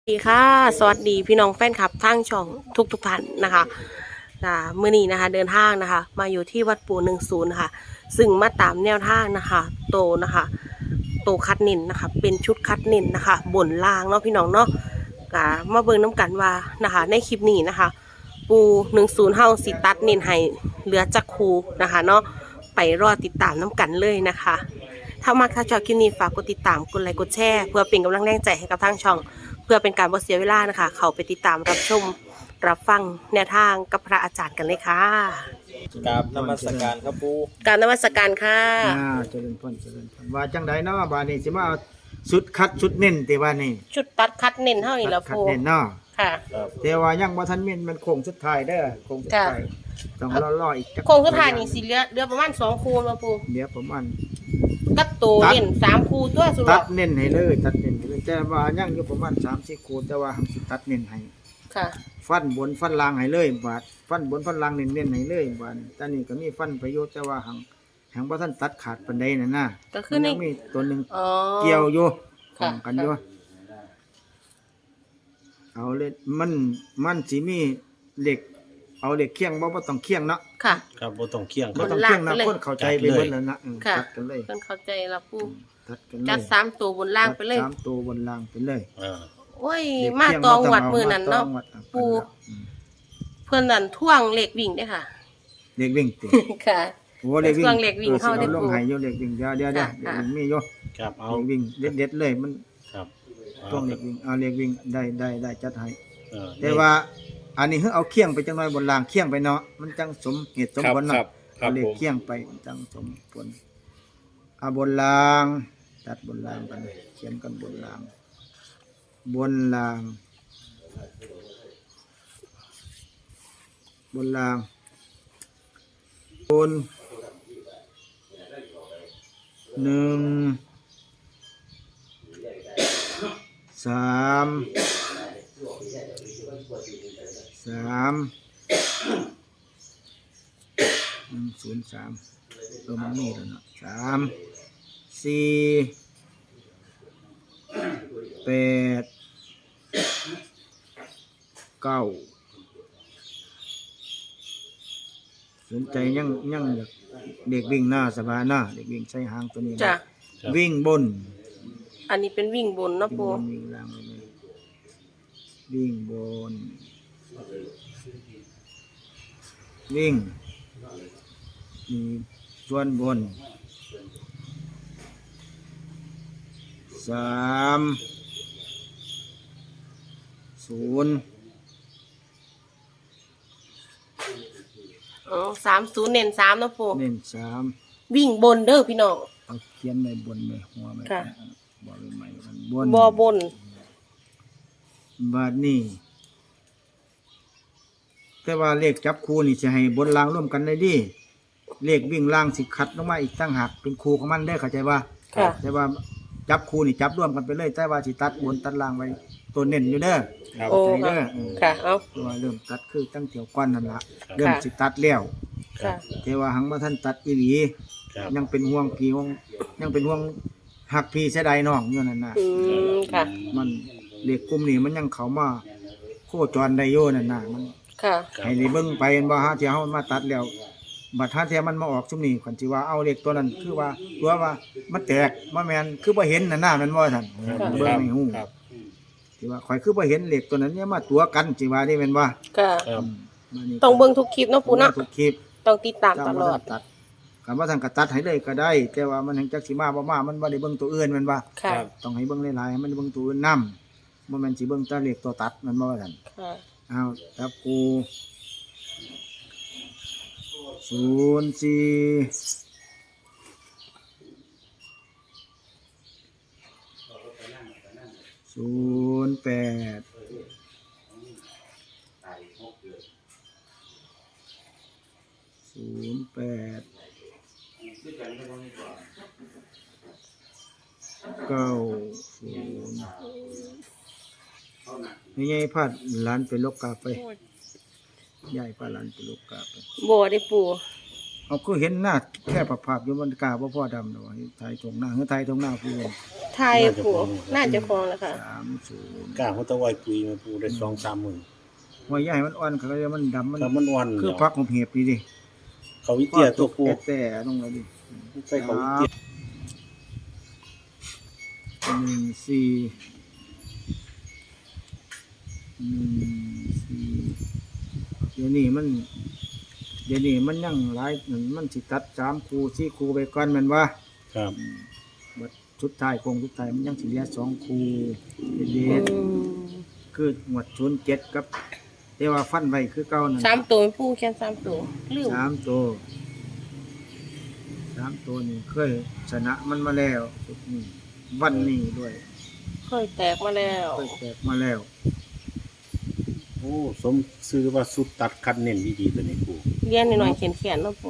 สวัสดีค่ะสวัสดีพี่น้องแฟนคลับทางช่องทุกท่านนะคะมื้อนี้นะคะเดินทางนะคะมาอยู่ที่วัดปู่10นะคะซึ่งมาตามแนวทางนะคะโตคัดเน้นนะคะเป็นชุดคัดเน้นนะคะบนล่างเนาะพี่น้องเนาะมาเบิ่งน้ำกันว่านะคะในคลิปนี้นะคะปู่10เฮาสิตัดเน้นให้เหลือจักคูนะคะเนาะไปรอติดตามน้ำกันเลยนะคะถ้าชอบคลิปนี้ฝากกดติดตามกดไลค์กดแชร์เพื่อเป็นกำลังแรงใจให้กับทางช่องเพื่อเป็นการบ่เสียเวลานะคะเขาไปติดตามรับชมรับฟังแนวทางกับพระอาจารย์กันเลยค่ะกราบนมัสการครับปูกรารนมัสการค่ะเจริญพรว่าจังไดเนาะบาดนี้สิมาเอาสุดคัดสุดเน้นแต่ว่านี่ชุดตัดคัดเน้นเท่านี้แล้วคัดปูเน้นเนาะค่ะครับแต่ว่ายังบ่ทันเม่นมันโค้งสุดท้ายเด้อโค้งสุดท้ายต้องรออีกจักโครงสุดท้ายนี่สิเหลือประมาณ2คูแล้วปูเดี๋ยวประมาณกับโตเน้น3คูตัวสุดตัดเน้นให้เลยตัดเน้นให้เลยแต่ว่ายังอยู่ประมาณ3-4คูแต่ว่าหังสิตัดเน้นให้ค่ะฟันบนฟันล่างให้เลยบาดฟันบนฟันล่างเน้นๆให้เลยบาดตอนนี้ก็มีฟันประโยชน์แต่ว่าหังบ่ทันตัดขาดปานใดนั่นน่ะก็คือในมันยังมีตัวหนึงอ๋อเกี่ยวอยู่ขค่ะองกันอยู่เอาเลยมันสิมีเหล็ก เอาเหล็กเคียงบ่ต้องเคียงเนาะค่ะครับบ่ต้องเคียงคบ่รับต้องเคียงนะบนล่างไปเลยคนเข้าใจไปเบิดแล้วนะค่ะตัดกันเลยเพิ่นเข้าใจแล้วปูตัดกันเลยจัด3ตัวบนล่างไปเลยตัด3ตัวบนล่างไปเลยโอ้ยเหล็กมาเคียตองบ่วัดเามือนั้นเนาะมตองวัดปูอืมเพิ่นนั่นท่วงเหล็กวิ่งเด้อค่ะเหล็กวิ่งติค่ะโอ้เหล็กวิ่งเครื่องเหล็กวิ่งเข้าได้ลปูงให้อยู่เหล็กวิ่งเดี๋ยวค่ะเหล็กวิ่งมีอยู่ครับเอาเหล็กวิ่งเด็ดๆเลยมันครับต้องเหล็กวิ่งเอาเหล็กวิ่งได้จัดให้เออแต่ว่าอันนี้เอาเคียงไปจังหน่อยบนรางเคียงไปเนาะมันจังสมเหตุสมผลคเนาะรับครัเอาบเลผขมเคียงไปจังสมผลเอาบนรางตัดบนรางกันเขียนกันบนรางบนรางบนรางบน1 3 มันมีแล้วเนาะ3 4 8 9สนใจยังอยากเด็กวิ่งหน้าสบายหน้าเด็กวิ่งใช้หางตัวนี้นะจ้ะวิ่งบนอันนี้เป็นวิ่งบนเนาะวิ่งปูบนวิ่งล่างเลยวิ่งบนวิ่งมีส่วนบน30 อ๋อ30เน้น3เนาะปูเน้นวิ่งบนเด้อพี่น้องเอาเขียนในบนในหัวไว้ค่ะบอกเลยใหม่มันบนบนบาดนี้แต่ว่าเลขจับคู่นี่จะให้บนล่างร่วมกันได้ดีเลขวิ่งล่างสิคัดลงมาอีกตั้งหักเป็นคู่ของมันได้อเข้าใจว่าค่ะแต่ว่าจับคู่นี่จับร่วมกันไปเลยแต่ว่าสิตัดบนตัดล่างไว้ตัวเน้นอยู่เด้อครับโอ้ใจค่ะเด้อค่ะเอาตัวเริ่มตัดคือตั้งเที่ยวก้อนนั่นละเริ่มสิตัดแล้วค่ะแต่ว่าหังบ่ทันตัดอีหลีครับยังเป็นห่วงพี่ห่วงยังเป็นห่วงหักพี่เสียดายน้องอยู่นั่นน่ะค่ะมันเด็กกลุ่มนี้มันยังเข้ามาโคจรได้อยู่นั่นน่ะมันค่ะให้ได้เบิ่งไปเห็นบ่ฮะที่เฮามาตัดแล้วบัดหาเที่ยมันมาออกซุมนี้คันสิว่าเอาเด็กตัวนั้นคือว่าตัวว่ามันแตกบ่แม่นคือบ่เห็นนั่นน่ะแม่นบ่ท่านเบิ่งให้ฮู้ครับสิว่าข่อยคือบ่เห็นเหล็กตัวนั้นเนี่ยมาตัวกันสิว่าได้แม่นบ่ค่ะครับมานี่ต้องเบิ่งทุกคลิปเนาะปูเนาะทุกคลิปต้องติดตามตลอดตัดคำว่าท่านก็ตัดให้เลยก็ได้ แต่ว่ามันแห่งจักสิมาบ่มามันบ่ได้เบิ่งตัวอื่นแม่นบ่ค่ะต้องให้เบิ่งหลายๆให้มันเบิ่งตัวอื่นนํบ่แม่นสิเบิ่งแต่เหล็กตัวตัดแมันบ่ว่าท่านค่ะเอาจับกู04 08 08 90นี่ไงพาดหลานไปลกกาไปยายพาหลานไปลกกาไปบ่ได้ปูเอาคือเห็นหน้าแค่ภาพๆอยู่มันกล้าบ่พอดำดอกไทยตรงหน้าคือไทยตรงหน้าผู้ไทยปูน่าจะฟองแล้วค่ะ 30 กล้าเขาตะไวปุยมาปูได้2-3หมื่นว่าใหญ่มันอ่อนก็เลยมันดำมันครับมันวันคือพักของเห็บนี่ดิเขาวิเตียตัวปูแต่ลงเลยดิใช่เขาวิเตียเดี๋ยวนี้มันยังหลายมันสิตัด3คู่4คู่ไปก่อนแม่นว่าครับบัดชุดท้ายโคงชุดท้ายมันยังสิเหลือ2คู่เด็ดๆคือหมวด07กับแต่ว่าฟันไว้คือเก่านั่น 3ตัวปูแค่3ตัวลืม 3ตัวนี่เคยชนะมันมาแล้วชุดนี้วันนี้ด้วยเคยแตกมาแล้วเคยแตกมาแล้วโอ้สมซื้อว่าสุดตัดคัดเน้นดีๆตัวนี้ปูเรียนหน่อยๆเขียนๆเนาะปู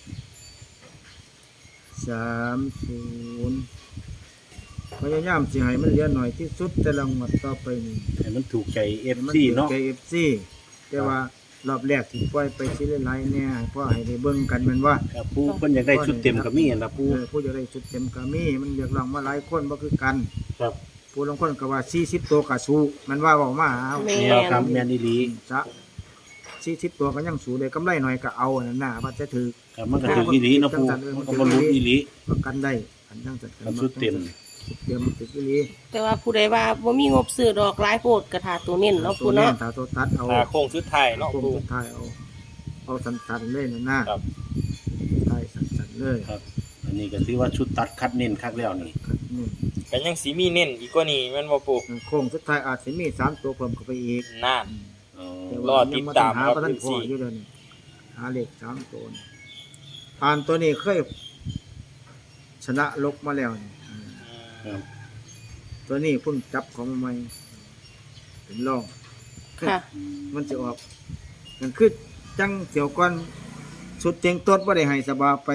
30พยายามสิให้มันเหลือหน่อยที่สุดแต่ละงวดต่อไปนี่ให้มันถูกใจมัน FC เนาะใจ FC แต่ว่ารอบแรกที่ปล่อยไปสิหลายๆเนี่ยให้พ่อให้ได้เบิ่งกันแม่นว่าครับปูเพิ่นอยากได้ชุดเต็มก็มีนะปูผู้จะได้ชุดเต็มก็มีมันเรียกร้องมาหลายคนบ่คือกันครับผู้ลางคนก็ว่า40ตัวก็สู้มันว่าเว้ามาเอาแม่แนวครับแม่นอีหลีจะ40ตัวก็ยังสู้ได้กำไรหน่อยก็เอานั่นน่ะว่าจะถือครับมันก็ถูกอีหลีเนาะปูมันก็บ่รู้อีหลีประกันได้อันนั้นจัดครับชุดเต็มเต็มติดอีหลีแต่ว่าผู้ใดว่าบ่มีงบซื้อดอกหลายโพดกระถาตัวเน้นเนาะปูเนาะถ้าตัวตัดเอาโค้งชุดไทยเนาะโค้งปูสุดท้ายเอาสั้นๆเลยนั่นน่ะครับใช่สั้นๆเลยครับ อันนี้ก็ถือว่าชุดตัดคัดเน้นคักแล้วนี่ครับนี่กันยังสีมีเน้นอีกกว่านี้แม่นบ่ปูโค้งสุดท้ายอาจจะมี3ตัวเพิ่มเข้าไปอีกน่านอ๋อแต่รว่าอติดตามหาครับประทันพอ 14 อยู่เดี๋ยวนี้หาเลข3ตัวนี่อ่านตัวนี้เคยชนะลกมาแล้วนี่ครับตัวนี้เพิ่งจับของใหม่เป็นรองค่ะมันจะออกมันคือจังเสี่ยวก่อนสุดเต็งต้นบ่ได้ให้สบาไป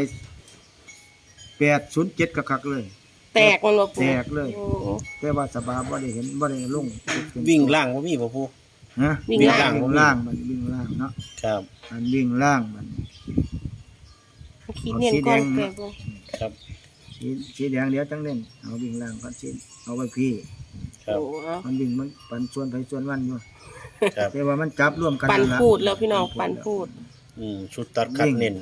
807คักๆเลยแตกมันบ่ปูแตกเลยโอ้แต่ว่าสบาบ่ได้เห็นบ่ได้ลงวิ่งล่างบ่มีบ่ปูฮะวิ่งล่างวิ่งล่างมันวิ่งล่างเนาะครับมันวิ่งล่างมันคิดเน้นก่อนแต่ปูครับสีแดงเดี๋ยวจังเล่นเอาวิ่งล่างก่อนสิเอาไว้พี่ครับโอ้เอามันวิ่งมันปันส่วนไปส่วนวันอยู่ครับแต่ว่ามันจับร่วมกันปันล่ะพูดแล้วพี่น้องปันพูดชุดตัดคัดเน้น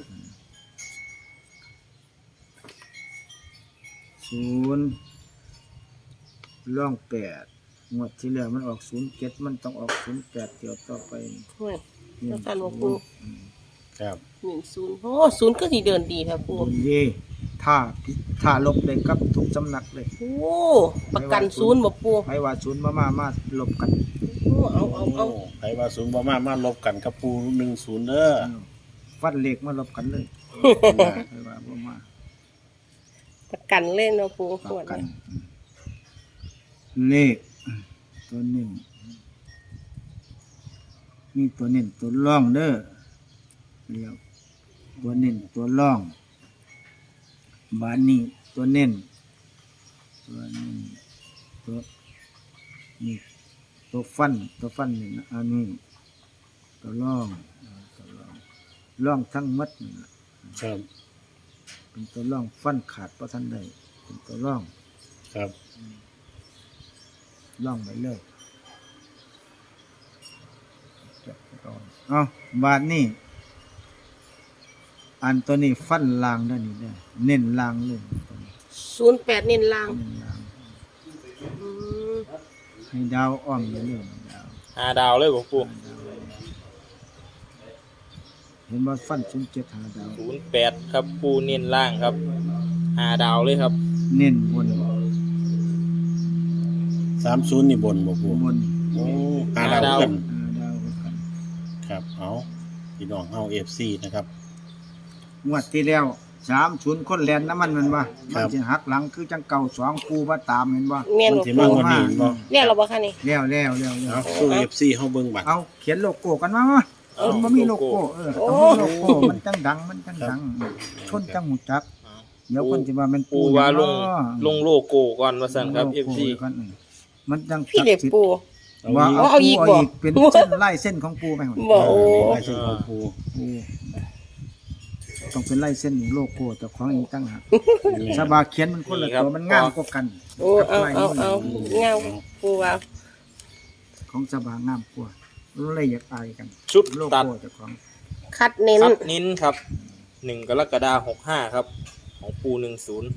0ร่อง8งวดที่แล้วมันออก07มันต้องออก08เที่ยวต่อไปโอ้ย แล้วกันว่าปูครับ 10โอ้0ก็สิเดินดีแท้ปูดีถ้าลบได้กับทุกสำนักเลยโอ้ประกัน0บ่ปูให้ว่าศูนย์มาลบกันโอ้เอาใครว่าศูนย์บ่มาลบกันกับปู10เด้อฟันเหล็กมาลบกันเลยให้ว่าบ่มาประกันเล่นเนาะปูลขวบดกันเนี่ยเลขตัวหนึ่งมีตัวเน้นตัวร่องเด้อเรียกตัวเน้นตัวร่องบานนี้ตัวเน้นตัวนี่ตัวฟันนี่นะอันนี้ตัวร่องร่องทั้งหมัดนี่ล่ะครับเป็นตัวร่องฟันขาดเพราะท่านใดเป็นตัวร่องครับร่องไปเลยเอาบาทนี่อันตัวนี้ฟันลางด้านนี้ได้เน้นลางเลยตัวนี้ 08เน้นล่างเน้นลางอืมให้ดาวอ้อมอยู่เรื่อยดาว 5 ดาวเลยบ่ปูเห็นว่าฟัน07หาดาว 08ครับปูเน้นล่างครับ5 ดาวเลยครับเน้นบน 30นี่บนบ่ปูบนโอ้5ดาวกันดาวกันครับเอาพี่น้องเฮา FC นะครับงวดที่แล้ว30คนแลนน้ำมันว่าครัมันบสิหักหลังคือจังเก่า2คู่มาตามเห็นบ่แม่นมันบ่สิปูมากกว่านี้บ่เรียกเราบ่คะนี่แล้วเอาสู้ FC เฮาเบิ่งบัดเอาเขียนโลโก้กันมามันบ่มีโลโก้ต้องมีโลโก้มันจังดังชนจังหูจัก เดี๋ยวคนสิว่ามันปูว่าลงเนาะลงโลโก้ก่อนว่าซั่นครับโลโก้ FC ก่อนมันจังพี่เด็กปูว่าเอาอีกบ่เป็นเส้นไล่เส้นของปูไปหมดบ่โอ้ลายเส้นของปูปูต้องเป็นลายเส้นโลโก้เจ้าของอีกตั้งหากสบาเขียนมันคนละตัวมันงามกว่ากันโอ้เอาเงาปูว่าของสบางามกว่าเลยอยากอายกันชุดโลตัดโก้เจ้าของคัดเน้นคัดนิ้นครับ1 กรกฎาคม 65ครับของปู10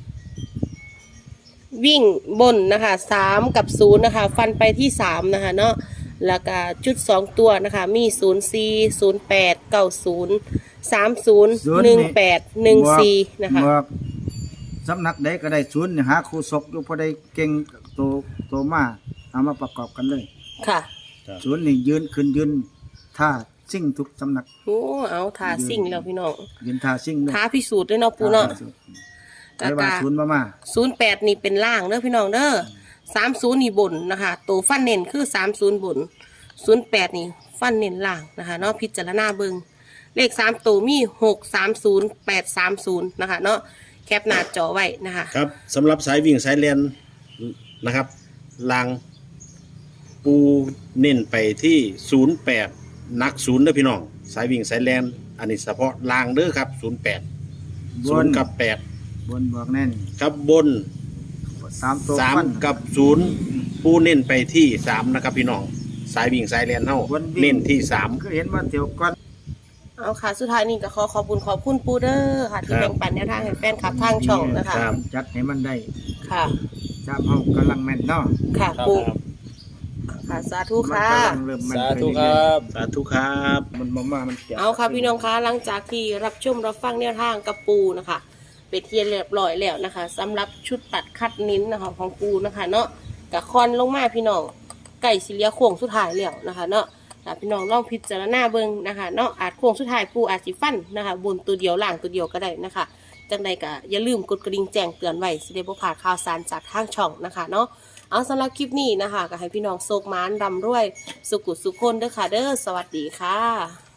วิ่งบนนะคะ3 กับ 0นะคะฟันไปที่3นะคะเนาะแล้วก็จุด2ตัวนะคะมี04 08 90 30 18 14นะคะบอกสำนักใดก็ได้ศูนย์หาครูศกอยู่พอได้เก่งโตมาเอามาประกอบกันเลยค่ะศูนย์นี่ยืนขึ้นยืนท่าซิ่งทุกสำนักโอ้เอาทาซิ่งแล้วพี่น้องยืนท่าซิ่งเลยท้าพิสูจน์ด้วยเนาะปูเนาะแต่ว่าศูนย์มา 08นี่เป็นล่างเด้อพี่น้องเด้อ30นี่บนนะคะตัวฟันเน้นคือ30บน08นี่ฟันเน้นล่างนะคะเนาะพิจารณาเบิ่งเลข3ตัวมี630 830นะคะเนาะแคปหน้าจอไว้นะคะครับสำหรับสายวิ่งสายเลียนนะครับลางปูเน้นไปที่08นัก0เด้อพี่น้องสายวิ่งสายแลนอันนี้เฉพาะลางเด้อครับ08 บน 0 กับบนบอกแน่น 8ครับบน 3ตัวฟัน 3 กับ 0 ปูเน้นไปที่3นะครับพี่น้องสายวิ่งสายแลนเฮาเน้นที่3 ก็เห็นว่าเดี๋ยวก่อนเอาค่ะสุดท้ายนี่ก็ขอบคุณปูเดอร์ค่ะที่แบ่งปันแนวทางให้แฟนคลับทางช่องนะคะครับจัดให้มันได้ค่ะจามเฮากำลังแม่นเนาะค่ะครับปูค่ะสาธุมันค่ะกำลังเริ่มแม่นสาไปธุเรื่คอยรับสาธุครับๆมันบ่มามันเจ็บเอาค่ะพี่น้องคะหลังจากที่รับชมรับฟังแนวทางกับปูนะคะไปเทียนเรียบร้อยแล้วนะคะสำหรับชุดตัดคัดนิ้นนะคะของปูนะคะเนาะกับคอนลงมาพี่น้องไก่สิเลียโค้งสุดท้ายแล้วนะคะเนาะถ้าพี่น้องลองพิจารณาเบิ่งนะคะเนาะอาจโค้งสุดท้ายปูอาจสิฟันนะคะบนตัวเดียวล่างตัวเดียวก็ได้นะคะจังใดก็อย่าลืมกดกระดิ่งแจ้งเตือนไว้สิได้บ่พลาดข่าวสารจากทางช่องนะคะเนาะเอาสำหรับคลิปนี้นะคะก็ให้พี่น้องโชคหมานร่ำรวยสุขุสุขคนเด้อค่ะเด้อสวัสดีค่ะ